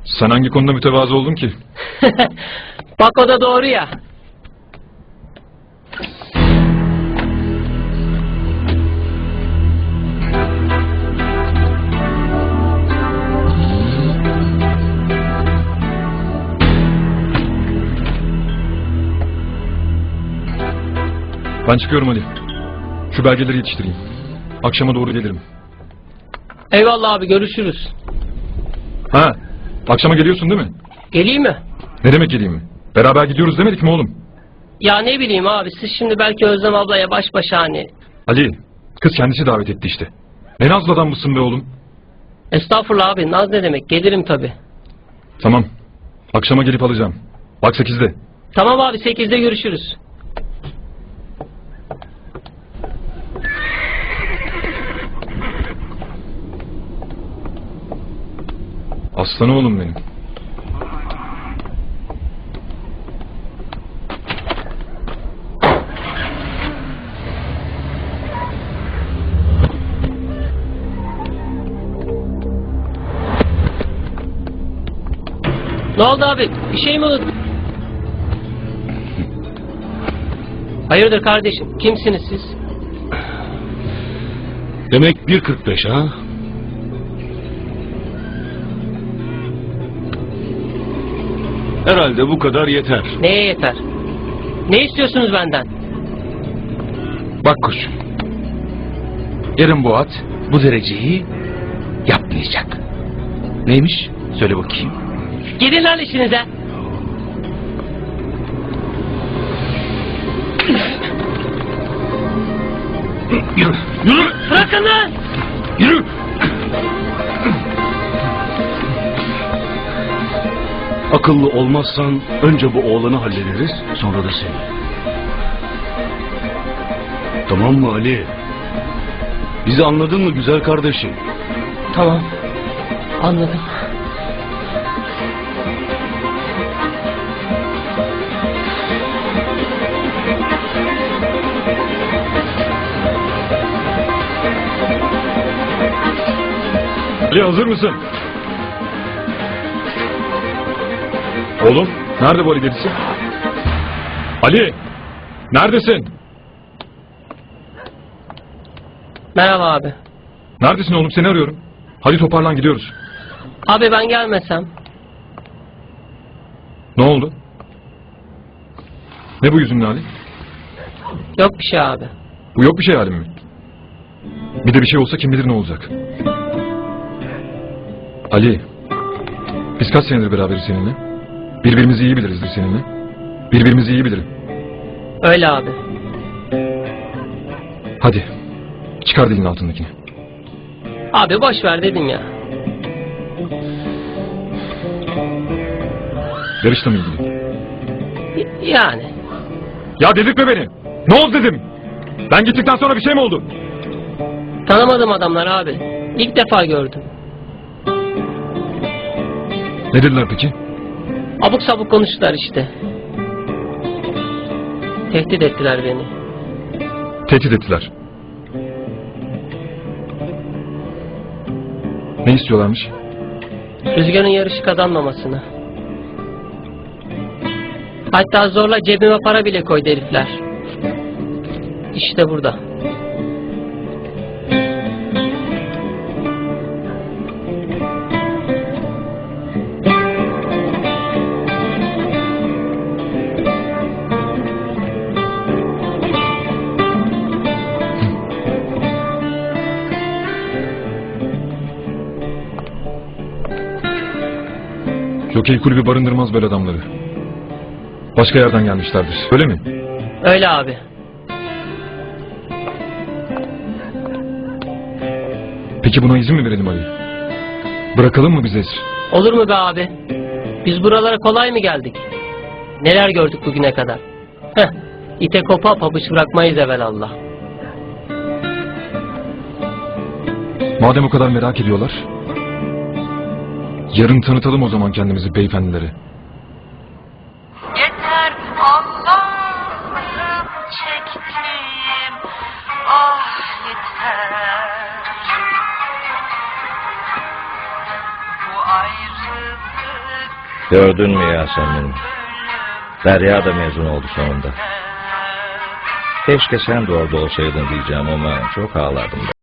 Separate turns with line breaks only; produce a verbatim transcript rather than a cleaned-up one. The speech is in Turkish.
Sen hangi konuda mütevazı oldun ki?
Bak o da doğru ya.
Ben çıkıyorum Ali. Şu belgeleri yetiştireyim. Akşama doğru gelirim.
Eyvallah abi, görüşürüz.
Ha, akşama geliyorsun değil mi?
Geleyim mi?
Ne demek geleyim mi? Beraber gidiyoruz demedik mi oğlum?
Ya ne bileyim abi, siz şimdi belki Özlem ablaya baş başa hani...
Ali, kız kendisi davet etti işte. Ne nazlı adam mısın be oğlum?
Estağfurullah abi, naz ne demek, gelirim tabi.
Tamam, akşama gelip alacağım. Bak sekizde.
Tamam abi, sekizde görüşürüz.
Aslan oğlum benim.
Ne oldu abi, bir şey mi unuttun? Hayırdır kardeşim, kimsiniz siz?
Demek bir kırk beş ha? Herhalde bu kadar yeter.
Neye yeter? Ne istiyorsunuz benden?
Bak koçum. Yarın bu at bu dereceyi yapmayacak. Neymiş? Söyle bakayım.
Gidin lan işinize.
Yürü. Yürü.
Bırakın lan.
Yürü. Akıllı olmazsan önce bu oğlanı hallederiz, sonra da seni. Tamam mı Ali? Bizi anladın mı güzel kardeşim?
Tamam, anladım.
Ali hazır mısın? Oğlum, nerede bu Ali delisi? Ali, neredesin?
Merhaba abi.
Neredesin oğlum, seni arıyorum. Hadi toparlan, gidiyoruz.
Abi ben gelmesem.
Ne oldu? Ne bu yüzünün hali?
Yok bir şey abi.
Bu yok bir şey halim mi? Bir de bir şey olsa kim bilir ne olacak? Ali, biz kaç senedir beraberiz seninle? Birbirimizi iyi bilirizdir seninle. Birbirimizi iyi bilirim.
Öyle abi.
Hadi, çıkar dilin altındakini.
Abi boş ver dedim ya.
Yarışla mı ilgili?
Y- yani.
Ya dedirtme beni! Ne oldu dedim! Ben gittikten sonra bir şey mi oldu?
Tanımadım adamlar abi. İlk defa gördüm.
Ne dediler peki?
Abuk sabuk konuştular işte. Tehdit ettiler beni.
Tehdit ettiler. Ne istiyorlarmış?
Rüzgar'ın yarışı kazanmamasını. Hatta zorla cebime para bile koydu herifler. İşte burada.
Jokey kulübü barındırmaz böyle adamları. Başka yerden gelmişlerdir. Öyle mi?
Öyle abi.
Peki buna izin mi verelim Ali? Bırakalım mı biz esir?
Olur mu be abi? Biz buralara kolay mı geldik? Neler gördük bugüne kadar? Heh, ite kopa pabuç bırakmayız evelallah.
Madem o kadar merak ediyorlar, yarın tanıtalım o zaman kendimizi beyefendilere.
Yeter Allah'ım çektiğim, ah yeter. Bu ayrılık
Gördün mü Yasemin? Derya da mezun oldu sonunda. Keşke sen de orada olsaydın diyeceğim ama çok ağlardım ben.